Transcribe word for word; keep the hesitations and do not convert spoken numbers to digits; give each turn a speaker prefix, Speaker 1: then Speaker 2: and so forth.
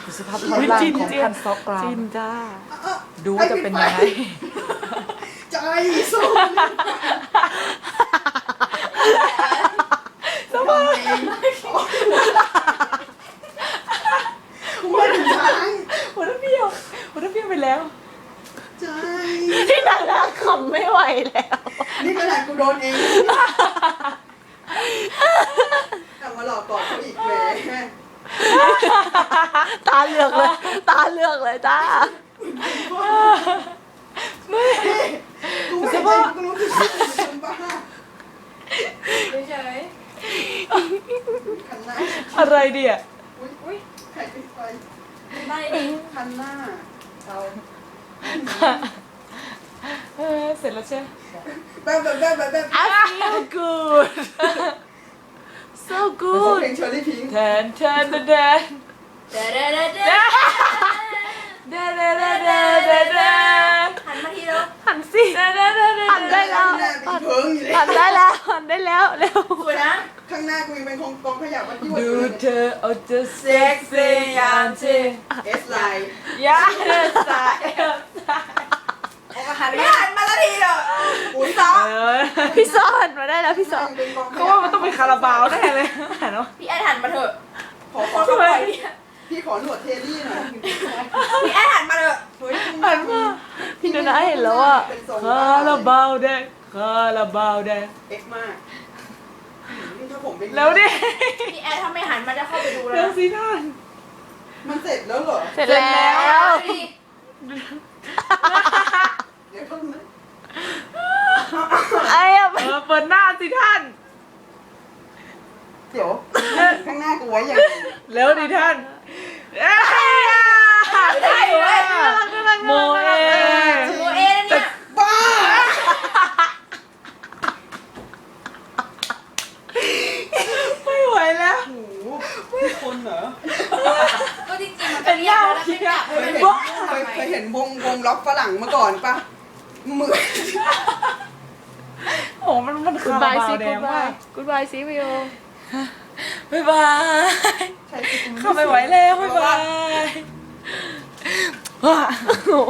Speaker 1: ดูสภาพท่อนล่างของคันซอกกราม
Speaker 2: จินจ้า
Speaker 1: ดูว่าจะเป็นยังไง
Speaker 3: ใจสู้สบายไม่ถึงทาง
Speaker 1: หัวน้ำเบี้ยวหัวน้ำเบี้ยวไปแล้ว
Speaker 3: ใจ
Speaker 2: ที่ดาราขำไม่ไหวแล้ว
Speaker 3: นี่ขนาดกูโดนเองทำมาหลอกกอดเขาอีกแหม
Speaker 2: ตาเลือกเลย ตาเลือกเลยจ้า
Speaker 3: ไม่กูไม่ใช่กูรู้สึกเป็นบ้า
Speaker 4: เฉย
Speaker 3: คันหน้า
Speaker 1: อะไรเดีย
Speaker 3: อุ้ยอุ้ยใครปิดไฟ
Speaker 4: ๆไม่
Speaker 3: คันหน้าเรา
Speaker 1: เออเสร็จแล้วใช่ไหม
Speaker 3: แบบแบบแบบแบบแบบ
Speaker 2: I feel good so
Speaker 3: เพล
Speaker 2: good
Speaker 3: งเชอร์รี่พิงค์
Speaker 1: แทนแทนแทนแทน
Speaker 4: เด้อเด้อเด้อเด้อ
Speaker 1: แทนแทนแทนแทนแทนแทน
Speaker 4: หันมาทีแล้ว
Speaker 2: หันสิหันได้แล้ว
Speaker 3: หน้าเป็นเพิงอยู่เลย
Speaker 2: หันได้แล้วหันได้แล้วเร็ว
Speaker 4: สวยนะ
Speaker 3: ข้างหน้ากูยังเป็นกองกองขยะมันยั่ว
Speaker 1: ดู
Speaker 3: อยู่
Speaker 1: เธอเอาจะเซ็กซี่อย่างที่
Speaker 3: เอสไลน์
Speaker 1: ยาเอลซ่าเอลซ่า
Speaker 4: หันไม่หันมาละทีเด้อ
Speaker 3: อุ้ยซ้อ
Speaker 1: เออ
Speaker 2: พี่ซ่อนมาได้แล้วพี่ซ่อน
Speaker 3: เป็นกองข
Speaker 1: เขา
Speaker 3: ยะ
Speaker 1: ว่ามันต้องเป็นคาราบาวแน่เลยเห็นไหม
Speaker 4: พี่แอนหันมาเถอะ
Speaker 3: ขอข
Speaker 4: ค
Speaker 3: อน
Speaker 4: เขาปล่อยเนี่ย
Speaker 3: พี่ขอหนวดเทลลี่หน่อย
Speaker 4: พี่แอนหันมาเถอะ
Speaker 3: เฮ้ย
Speaker 1: หันมา
Speaker 2: พี่นานาเห็นแล้วอ่ะ
Speaker 3: เป็นทรง
Speaker 1: คาราบาวแดงคาราบาวแดง
Speaker 3: เอ็กซ์มากนี่ถ้าผมเป็น
Speaker 1: แล้วดิ
Speaker 4: พี่แอนถ้าไม่หันมาจะเข้าไปดูแล้
Speaker 1: เรื่อง
Speaker 4: ว
Speaker 1: สีท่าน
Speaker 3: มันเสร็จแล้วเหรอ
Speaker 2: เสร็จแล้ว
Speaker 4: ดิ
Speaker 3: เดี๋ยวเพิ่งนะ
Speaker 2: ไอ้อะ
Speaker 1: เออเปิดหน้าสิท่าน
Speaker 3: เดี๋ยวข้างหน้ากูไว้อย่าง
Speaker 1: แล้วดิท่านเอ้ย
Speaker 4: ได้เว้ย
Speaker 1: โมเอ
Speaker 4: โมเอนะเนี่ย
Speaker 3: บ้า
Speaker 1: ไม่ไหวแล้ว
Speaker 3: โอ้โหไม่คนเหรอ
Speaker 4: ก็จริงๆมันเป็นยากแล้วไม่จับ
Speaker 3: เค
Speaker 4: ให้
Speaker 3: ย
Speaker 4: มัน
Speaker 3: เห็น
Speaker 4: บ้า
Speaker 3: เคยเคยเห็นวงวงล็อกฝรั่งมาก่อนปะมือ
Speaker 1: โอ้มันมัน
Speaker 2: กู
Speaker 1: คารา
Speaker 2: บาย
Speaker 1: บา
Speaker 2: ซิ
Speaker 1: วแด
Speaker 2: กู
Speaker 1: ง
Speaker 2: บาม
Speaker 1: าย ก
Speaker 2: กูบายซิวิโอ
Speaker 1: บ๊ายบาย
Speaker 3: ใช่สิกู
Speaker 1: เข้าไม่ไหวแล้วบ๊ายบายว้า